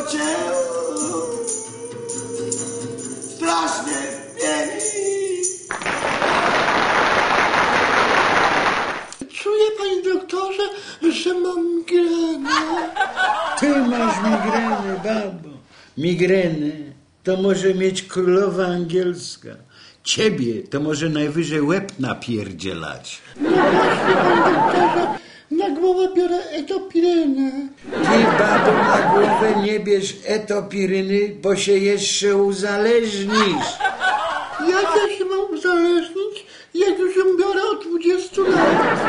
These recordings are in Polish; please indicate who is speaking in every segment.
Speaker 1: cię strasznie pieni.
Speaker 2: Czuję, panie doktorze, że mam migrenę.
Speaker 3: Ty masz migrenę, babo. Migrenę to może mieć królowa angielska. Ciebie to może najwyżej łeb napierdzielać.
Speaker 2: No właśnie, panie doktorze, na głowę biorę etopirynę.
Speaker 3: Ty, babo, na głowę nie bierz etopiryny, bo się jeszcze uzależnisz.
Speaker 2: Jak ja się mam uzależnić, jak już ją biorę od 20 lat?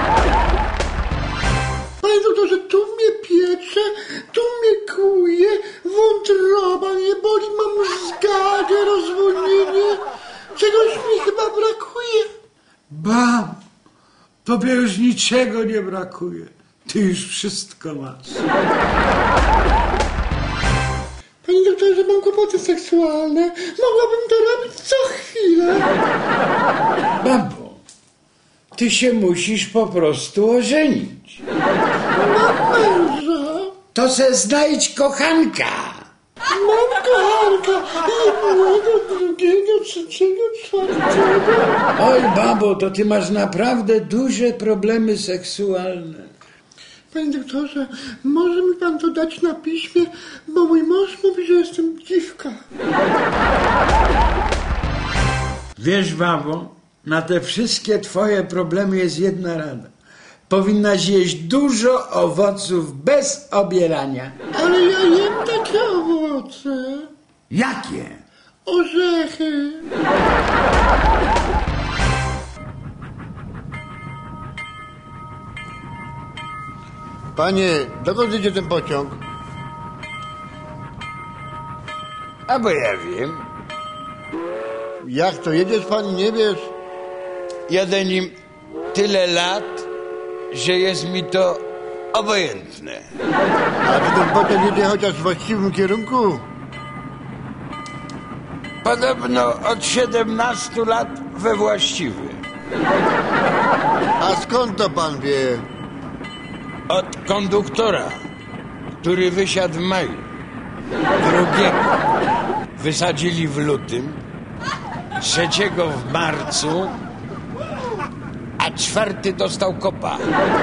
Speaker 2: Panie doktorze, tu mnie piecze, tu mnie kłuje, wątroba mnie boli, mam zgagę, rozwolnienie. Czegoś mi chyba brakuje.
Speaker 3: Bab, tobie już niczego nie brakuje. Ty już wszystko masz.
Speaker 2: Panie doktorze, mam kłopoty seksualne. Mogłabym to robić co chwilę.
Speaker 3: Babo, ty się musisz po prostu ożenić.
Speaker 2: Mam męża.
Speaker 3: To se znajdź kochanka.
Speaker 2: Mam kochanka. Jednego, drugiego, trzeciego, czwartego.
Speaker 3: Oj, babo, to ty masz naprawdę duże problemy seksualne.
Speaker 2: Panie doktorze, może mi pan to dać na piśmie, bo mój mąż mówi, że jestem dziwka.
Speaker 3: Wiesz, babo, na te wszystkie twoje problemy jest jedna rada. Powinnaś jeść dużo owoców bez obierania.
Speaker 2: Ale ja jem takie owoce.
Speaker 3: Jakie?
Speaker 2: Orzechy.
Speaker 4: Panie, dokąd idzie ten pociąg?
Speaker 3: A bo ja wiem.
Speaker 4: Jak to, jedziesz pan i nie wiesz?
Speaker 3: Jadę nim tyle lat, że jest mi to obojętne.
Speaker 4: A czy ten pociąg jedzie chociaż w właściwym kierunku?
Speaker 3: Podobno od 17 lat we właściwy.
Speaker 4: A skąd to pan wie?
Speaker 3: Od konduktora, który wysiadł w maju. Drugiego wysadzili w lutym, trzeciego w marcu, a czwarty dostał kopa.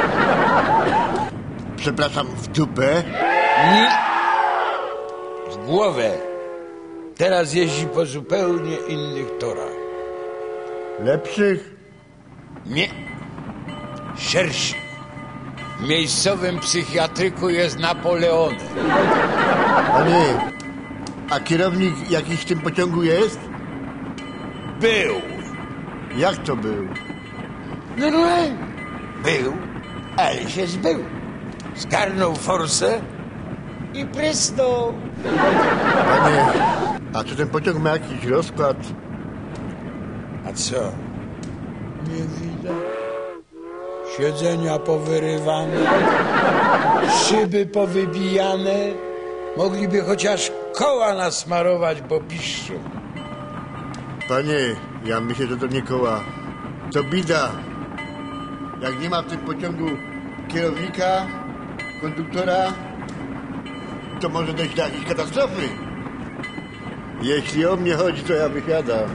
Speaker 4: Przepraszam, w dupę?
Speaker 3: Nie. W głowę. Teraz jeździ po zupełnie innych torach.
Speaker 4: Lepszych?
Speaker 3: Nie. Szerszych. W miejscowym psychiatryku jest Napoleonem.
Speaker 4: Panie, a kierownik jakiś w tym pociągu jest?
Speaker 3: Był.
Speaker 4: Jak to był?
Speaker 3: Normalnie. Był, ale się zbył. Zgarnął forsę i prysnął.
Speaker 4: Panie, a czy ten pociąg ma jakiś rozkład?
Speaker 3: A co? Nie widać? Siedzenia powyrywane, szyby powybijane. Mogliby chociaż koła nasmarować, bo piszczą.
Speaker 4: Panie, ja myślę, że to nie koła. To bida. Jak nie ma w tym pociągu kierownika, konduktora, to może dojść do jakiejś katastrofy. Jeśli o mnie chodzi, to ja wysiadam.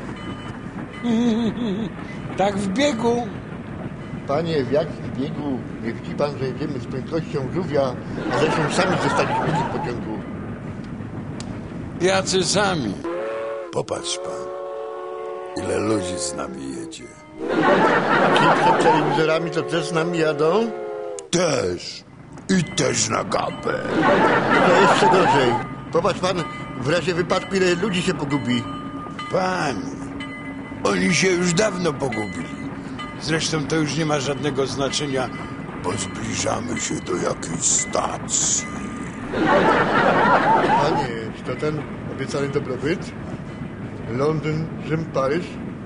Speaker 3: Tak w biegu.
Speaker 4: Panie, w jakim biegu nie widzi pan, że jedziemy z prędkością żółwia, a zresztą sami zostaliśmy w tym pociągu.
Speaker 3: Jacy sami. Popatrz pan, ile ludzi z nami jedzie.
Speaker 4: Ci przed telewizorami to też z nami jadą?
Speaker 3: Też. I też na gapę.
Speaker 4: No to jeszcze gorzej. Popatrz pan, w razie wypadku ile ludzi się pogubi.
Speaker 3: Panie, oni się już dawno pogubili. Zresztą to już nie ma żadnego znaczenia, bo zbliżamy się do jakiejś stacji.
Speaker 4: Panie, czy to ten obiecany dobrobyt? Londyn, Rzym, Paryż?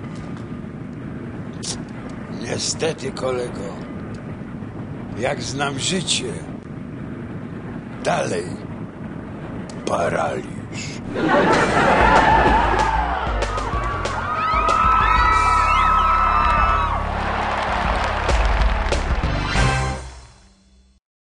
Speaker 3: Niestety, kolego, jak znam życie, dalej paraliż.